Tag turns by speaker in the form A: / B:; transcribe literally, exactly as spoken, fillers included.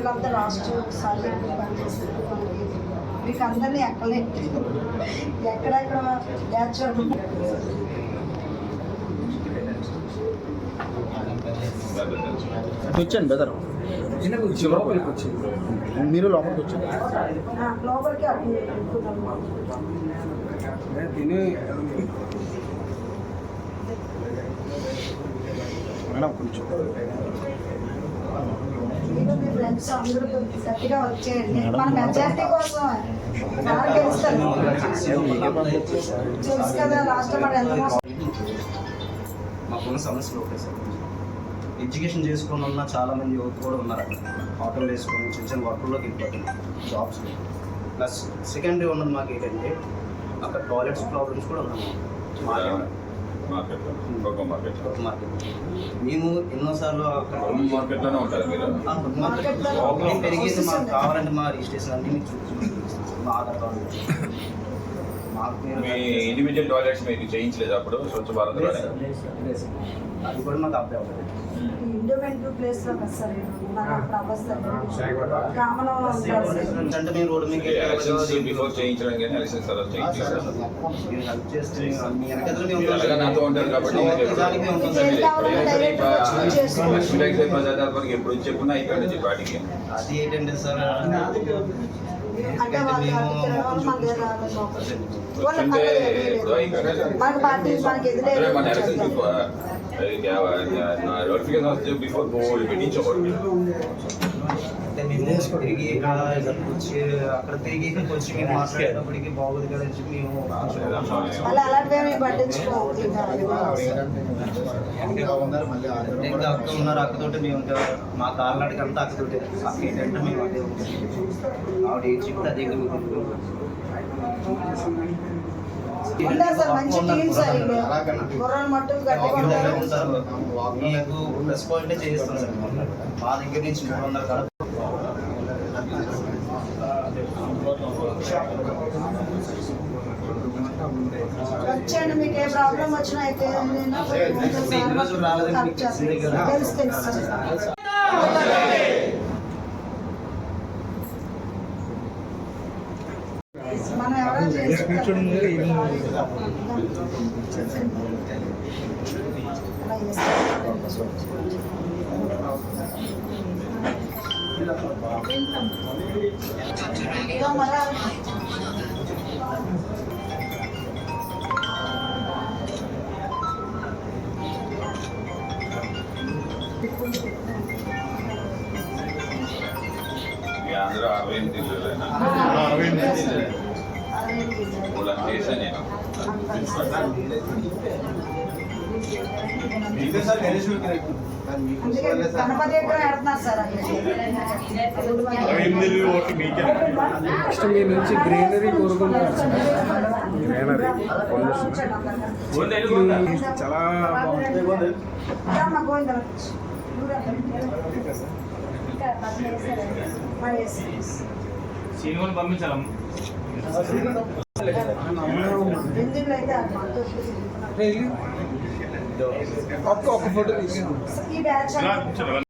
A: పిల్లలంతా లాస్ట్ సారి పనిచేస్తారు. మీకు అందరినీ ఎక్కలేదు, ఎక్కడెక్కడ బ్యాచ్
B: వచ్చాను బెదర్ లోపలికి వచ్చింది, మీరు లోపలికి వచ్చారు.
A: లోపలికి
B: తిని మేడం కొంచెం
A: మీ ఫ్రెండ్స్ అందరూ గట్టిగా వచ్చేయండి. మన మెజారిటీ కోసం గెలుస్తారు తెలుసు కదా. లాస్ట్ మన ఎంత
C: మాకున్న సమస్యలు ఒకటే సార్, ఎడ్యుకేషన్ చేసుకుని ఉన్న చాలామంది యువత కూడా ఉన్నారు అక్కడ. ఆటోలు వేసుకొని చిన్న చిన్న వర్క్లోకి వెళ్ళిపోతున్నారు జాబ్స్. ప్లస్ సెకండరీ ఉన్నది మాకు ఏంటంటే అక్కడ టాయిలెట్స్ ప్రాబ్లమ్స్ కూడా ఉన్నాయి. మార్కెట్ మేము ఎన్నోసార్లు అక్కడ
D: మార్కెట్లోనే ఉంటారు మీరు.
C: పెరిగేసి మాకు కావాలంటే మా రిజిస్ట్రేషన్ అన్ని మీకు చూపించి మా ఆధార్ కార్డు
D: మీ ఇండివిజువల్ టాయిలెట్స్ మీకు చేయించలేదు అప్పుడు స్వచ్ఛ భారత్
C: అది కూడా మాకు అప్లై అవుతుంది.
A: ఇండిపెండెంట్ ప్లేస్ లో సార్
C: అంటే మేము రోడ్డు మీద
D: బిఫోర్ చేయించడం కానీ ఎలక్షన్స్ తర్వాత చేయించారు.
C: మీరు హెల్ప్ చేస్తే మీ వెనకాల
D: నాతో ఉంటారు కాబట్టి ప్రజాదర్బానికి ఎప్పుడు చెప్పున్నా ఇక్కడ నుంచి పార్టీకి
C: అది ఏంటంటే సార్
D: నోటిఫికేషన్ వస్తే బిఫోర్ బోర్డు పెట్టించకూడదు.
C: అంటే మేము తిరిగి వచ్చి అక్కడ తిరిగి ఇక్కడికి వచ్చి మేము మాట్లాడేటప్పటికి బాగోదు కదా అని చెప్పి మేము ఇంకా అక్క ఉన్నారు. అక్కతోటి మేము ఇంకా మా కాళ్ళనాటికి అంతా అక్కతోటి అక్క ఏంటంటే మేము అదే ఆవిడ ఏం చెప్తే అదే మీకు ప్లస్ పాయింటే చేయిస్తాం సార్. మా దగ్గర నుంచి మూడు వందల కాడ
A: వచ్చండి. మీకు ఏ ప్రాబ్లం వచ్చినా అయితే తెలుసు తెలుసు మనం ఎవరో
D: అందరూ అరవై ఎనిమిది చేశాను నేను.
A: గణపతి ఎక్కడ పెడుతున్నారు సార్.
B: నెక్స్ట్ మీ నుంచి గ్రీనరీ కోరుకుంటున్నారు. గ్రీనరీ చాలా
E: సీనియర్ని పంపించాలమ్మ.
B: ఒక్క ఫోటో
A: ఈ బ్యాచ్